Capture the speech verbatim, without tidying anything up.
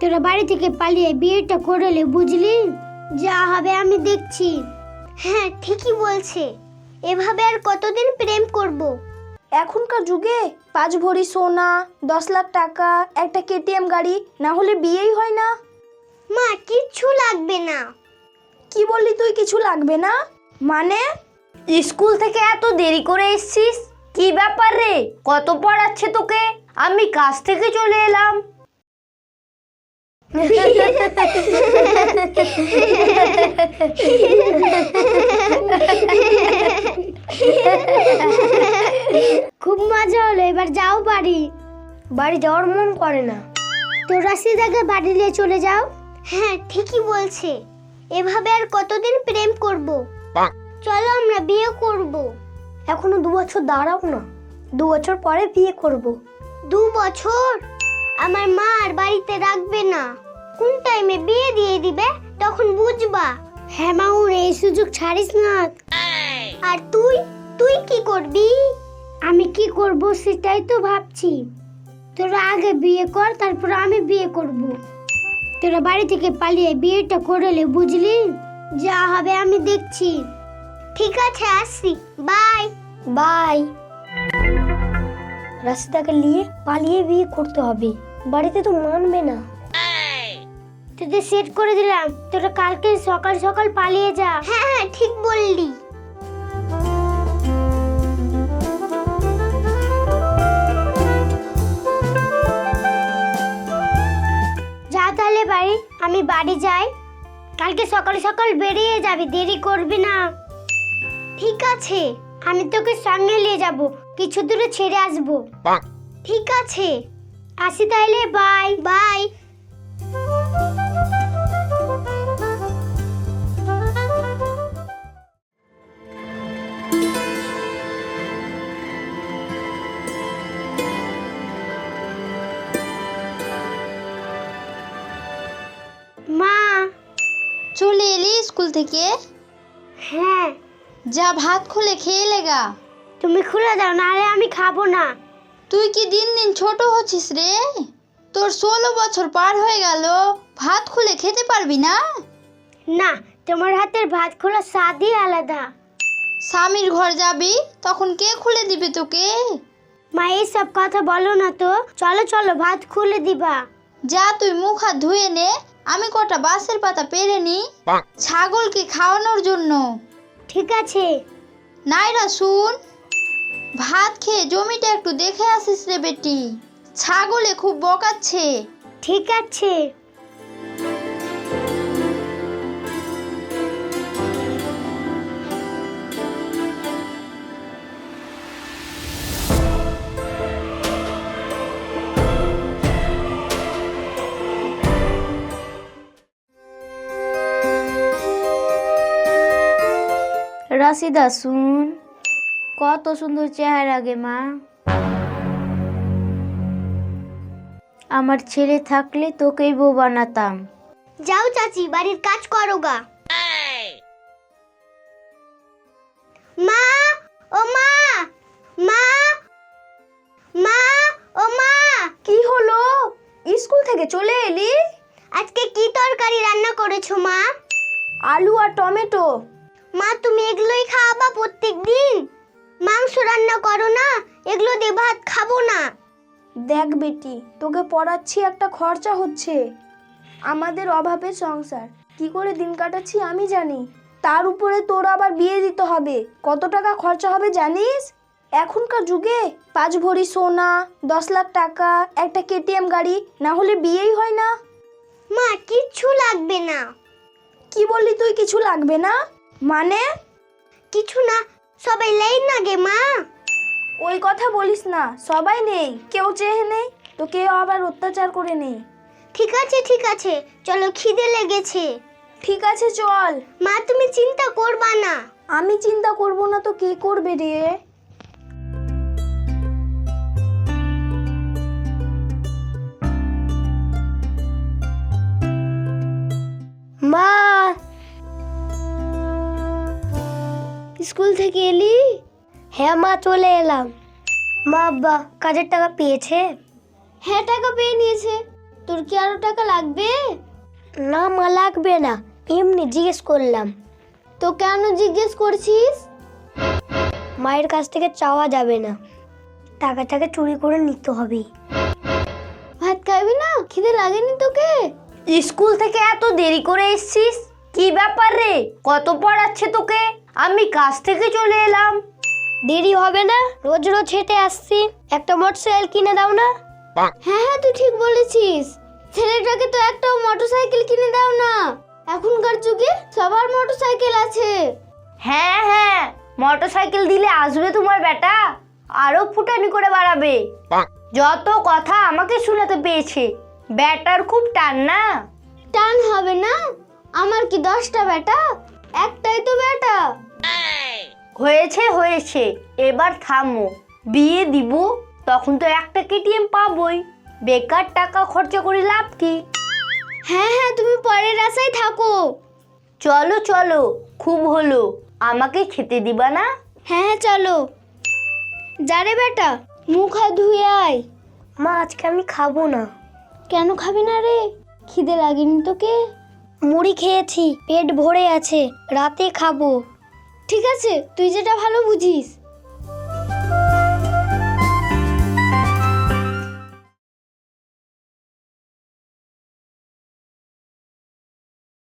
তোরা বাড়ি থেকে পালিয়ে বিয়েটা করলে, বুঝলি? যা হবে আমি দেখছি। হ্যাঁ, ঠিকই বলছে। এভাবে আর কতদিন প্রেম করব? এখনকার যুগে পাঁচ ভরি সোনা, দশ লাখ টাকা, একটা কেটিএম গাড়ি না হলে বিয়েই হয় না। মা, কিচ্ছু লাগবে না। কি বললি তুই কিছু লাগবে না? মানে স্কুল থেকে এত দেরি করে এসেছিস, কি ব্যাপার রে? কত পড়াচ্ছে তোকে? আমি কাজ থেকে চলে এলাম। খুব মজা হলো, এবার যাও বাড়ি। বাড়ি যাওয়ার মন করে না। তোরা সিধাকে বাড়ি নিয়ে চলে যাও। হ্যাঁ, ঠিকই বলছে। এভাবে আর কতদিন প্রেম করব? চলো আমরা বিয়ে করব। এখনো দু বছর দাঁড়াও না, দু বছর পরে বিয়ে করব। দু বছর? আমার মা আর বাড়িতে রাখবে না। কোন টাইমে বিয়ে দিয়ে দিবে তখন বুঝবা। হ্যাঁ মাউর, এই সুযোগ ছাড়িস না। আর তুই তুই কি করবি? আমি কি করব সেটাই তো ভাবছি। তোরা আগে বিয়ে কর, তারপর আমি বিয়ে করব। তোরা বাড়ি থেকে পালিয়ে বিয়েটা করলে, বুঝলি? যা হবে আমি দেখছি। ঠিক আছে, আসি। Bye bye. রাশিদাকে নিয়ে পালিয়ে বিয়ে করতে হবে, বাড়িতে তো মানবে না। তোদের সেট করে দিলাম, তোরা কালকে সকাল সকাল পালিয়ে যা। হ্যাঁ হ্যাঁ, ঠিক বললি। যা তাহলে বাড়ি, আমি বাড়ি যাই। কালকে সকাল সকাল বেরিয়ে যাবি, দেরি করবি না। ঠিক আছে। আমি তোকে সঙ্গে নিয়ে যাব, কিছু দূরে ছেড়ে আসবো। ঠিক আছে, আসি তাহলে, বাই বাই। মা। চলে এলি স্কুল থেকে? হ্যাঁ। যা ভাত খুলে খেয়ে লেগা। তুমি খুলে দাও, নাহলে আমি খাবো না। তুই কি দিন দিন ছোট হচ্ছিস রে? তোর ষোলো বছর পার হয়ে গেল, ভাত খুলে খেতে পারবি না? না, তোমার হাতের ভাত খোলা স্বাদই আলাদা। স্বামীর ঘর যাবি তখন কে খুলে দিবে তোকে? মা, এইসব কথা বলো না তো। চলো চলো, ভাত খুলে দিবা। যা তুই মুখ হাত ধুয়ে নে, আমি কটা বাঁশের পাতা পেরে নি ছাগলকে খাওয়ানোর জন্য। ঠিক আছে। নাইরা শুন, ভাত খেয়ে জমিটা একটু দেখে আসিস রে বেটি, ছাগলে খুব বকাচ্ছে। ঠিক আছে। রাশিদা শুন, কত সুন্দর চেহারা গে মা। আমার ছেলে থাকলে তোকেই বউ বানাতাম। যাও চাচি, বাড়ির কাজ করো গা। মা, ও মা, মা, মা, ও মা। কি হলো? স্কুল থেকে চলে এলি? আজকে কি তরকারি রান্না করেছো মা? আলু আর টমেটো। মা, তুমি এগুলোই খাওয়াবা প্রত্যেক দিন? মাংস রান্না করো না, এগুলো দিয়ে ভাত খাবো না। দেখ বেটি, তোকে পড়াচ্ছি, একটা খরচা হচ্ছে। আমাদের অভাবের সংসার, কি করে দিন কাটাচ্ছি আমি জানি। তার উপরে তোর আবার বিয়ে দিতে হবে, কত টাকা খরচা হবে জানিস? এখনকার যুগে পাঁচ ভরি সোনা, দশ লাখ টাকা, একটা কেটিএম গাড়ি না হলে বিয়েই হয় না। মা, কিচ্ছু লাগবে না। কি বললি তুই কিছু লাগবে না? মানে কিছু না, সবাই লাইন না গে মা। ওই কথা বলিস না, সবাই নেই, কেউ চেয়ে নেই তো কেউ আবার অত্যাচার করে নেই। ঠিক আছে ঠিক আছে, চলো, খিদে লেগেছে। ঠিক আছে চল। মা, তুমি চিন্তা করবা না। আমি চিন্তা করব না তো কে করবে রে? মা, স্কুল থেকে এলি? হ্যাঁ মা, চলে এলাম। মা, আব্বা কাজের টাকা পেয়েছে? হ্যাঁ, টাকা পেয়ে নিয়েছে। তোর কি আরো টাকা লাগবে? না মা, লাগবে না, এমনি জিজ্ঞেস করলাম। তো কেন জিজ্ঞেস করছিস? মায়ের কাছ থেকে চাওয়া যাবে না, টাকাটাকে চুরি করে নিতে হবে। ভাত খাবি না? খিদে লাগেনি তোকে? স্কুল থেকে এত দেরি করে এসেছিস, কি ব্যাপার রে? কত পড়াচ্ছে তোকে? আমি কাজ থেকে চলে এলাম। দেরি হবে না, রোজ রোজ হেঁটে আসছি, একটা মোটরসাইকেল কিনে দাও না। হ্যাঁ হ্যাঁ, তুই ঠিক বলেছিস। ছেলেটাকে তো একটা মোটরসাইকেল কিনে দাও না। এখনকার যুগে সবার মোটরসাইকেল আছে। হ্যাঁ হ্যাঁ, মোটরসাইকেল দিলে আসবে তোমার বেটা, আরো ফুটানি করে বাড়াবে। যত কথা আমাকে শোনাতে পেয়েছে, ব্যাটার খুব টান না। টান হবে না? আমার কি দশটা বেটা? একটাই তো বেটা। হয়েছে হয়েছে, এবার থামো। বিয়ে দিব তখন তো একটা কেটিএম পাবোই, বেকার টাকা খরচা করে লাভ কি? হ্যাঁ হ্যাঁ, তুমি পরের আশায় থাকো। চলো চলো, খুব হলো, আমাকে খেতে দিবা না? হ্যাঁ হ্যাঁ চলো। যারে বেটা, মুখ হাত ধুয়ে আয়। মা, আজকে আমি খাবো না। কেন খাবি না রে? খিদে লাগেনি তোকে? মুড়ি খেয়েছি, পেট ভরে আছে, রাতে খাবো। ঠিক আছে, তুই যেটা ভালো বুঝিস।